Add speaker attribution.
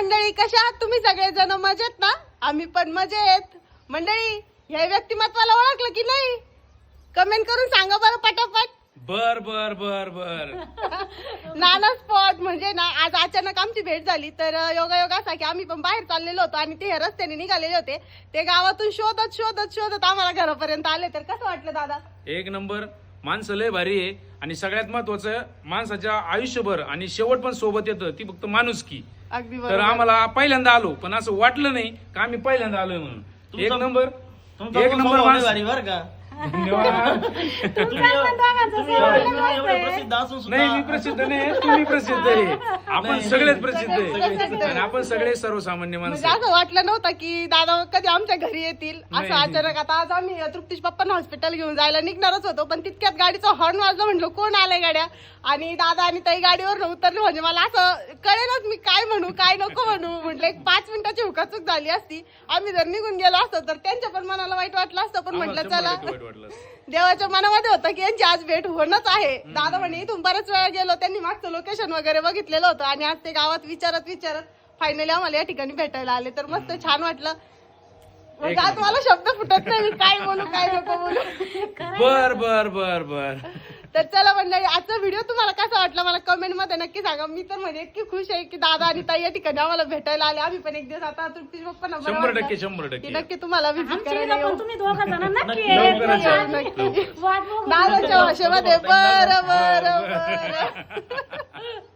Speaker 1: मंडळी, कशा आहात तुम्ही सगळेजण? मजेत ना? आम्ही पण मजेत. मंडळी, ह्या व्यक्तिमत्वाला ओळखलं की नाही? कमेंट करून सांगा बरं पटापट.
Speaker 2: बर बर बर बर
Speaker 1: नाना स्पॉट म्हणजे ना, आज अचानक आमची भेट झाली. तर योगायोग असा की आम्ही पण बाहेर चाललेलो होतो आणि ते रस्त्याने निघालेले होते. ते गावातून शोधत शोधत शोधत आम्हाला घरापर्यंत आले. तर कसं वाटलं दादा?
Speaker 2: एक नंबर. माणसं लय भारी आहे आणि सगळ्यात महत्वाचं माणसाच्या आयुष्यभर आणि शेवट पण सोबत येतं ती फक्त माणुसकी.
Speaker 1: अगदी
Speaker 2: तर
Speaker 1: बरोबर.
Speaker 2: आम्हाला पहिल्यांदा आलो पण असं वाटलं नाही का आम्ही पहिल्यांदा आलोय म्हणून. एक नंबर
Speaker 3: तुमचा
Speaker 2: एक नंबर
Speaker 3: स्वभाव लय
Speaker 2: माणूस.
Speaker 3: भारी बरं का.
Speaker 2: धन्यवाद.
Speaker 3: एवढे प्रसिद्ध असून सुद्धा
Speaker 2: नाही मी प्रसिद्ध नाही, तुम्ही प्रसिद्ध आहे. आपण सगळेच प्रसिद्ध आहे आणि आपण सगळे सर्वसामान्य माणसं
Speaker 1: म्हणजे
Speaker 2: आहे.
Speaker 1: असं वाटलं नव्हतं की दादा कधी आमच्या घरी येतील असं
Speaker 2: नाही.
Speaker 1: अचानक. आता आज आम्ही तृप्तीश पप्पांना हॉस्पिटल घेऊन जायला निघणारच होतो, पण तितक्यात गाडीचा हॉर्न वाजला. म्हटलं कोण आलंय गाड्या, आणि दादा आणि ताई गाडीवर उतरले. म्हणजे मला असं कळेलच मी काय म्हणू काय नको म्हणू. म्हटलं एक 5 मिनिटाची हुकाचूक झाली असती, आम्ही जर निघून गेलो असतो तर त्यांच्या पण मनाला वाईट वाटलं असतं. पण
Speaker 2: आम्हाला
Speaker 1: म्हटलं
Speaker 2: 100%
Speaker 1: चला,
Speaker 2: वाईट वाटलं.
Speaker 1: देवाच्या मनामध्ये होतं की यांची आज भेट होणंच आहे. दादा म्हणे इथून बऱ्याच वेळा गेलो, त्यांनी मागचं लोकेशन वगैरे बघितलेलं होतं आणि आज ते गावात विचारत विचारत फायनली आम्हाला या ठिकाणी भेटायला आले. तर मस्त छान वाटलं. म्हणजे आज मला शब्द फुटत नाही, मी काय बोलू काय नको बोलू.
Speaker 2: बर बर बर बर
Speaker 1: तर चला मंडळी, आजचा व्हिडिओ तुम्हाला कसा वाटला मला कमेंट मध्ये नक्की सांगा. मी तर म्हणजे इतकी खुश आहे की दादा आणि ताई या ठिकाणी आम्हाला भेटायला आले. आम्ही पण एक दिवस आता तृप्तीश पप्पांना बरं
Speaker 2: 100%
Speaker 1: वाटलं
Speaker 2: 100%
Speaker 1: की नक्की तुम्हाला विजिट
Speaker 4: आमच्या
Speaker 1: करायला
Speaker 4: इथं
Speaker 1: येऊ.
Speaker 4: पण तुम्ही दोघं जण नक्की
Speaker 2: लवकरच या.
Speaker 1: नक्की
Speaker 4: वाट बघू.
Speaker 1: दादाच्या भाषेमध्ये बरं बरं बरं.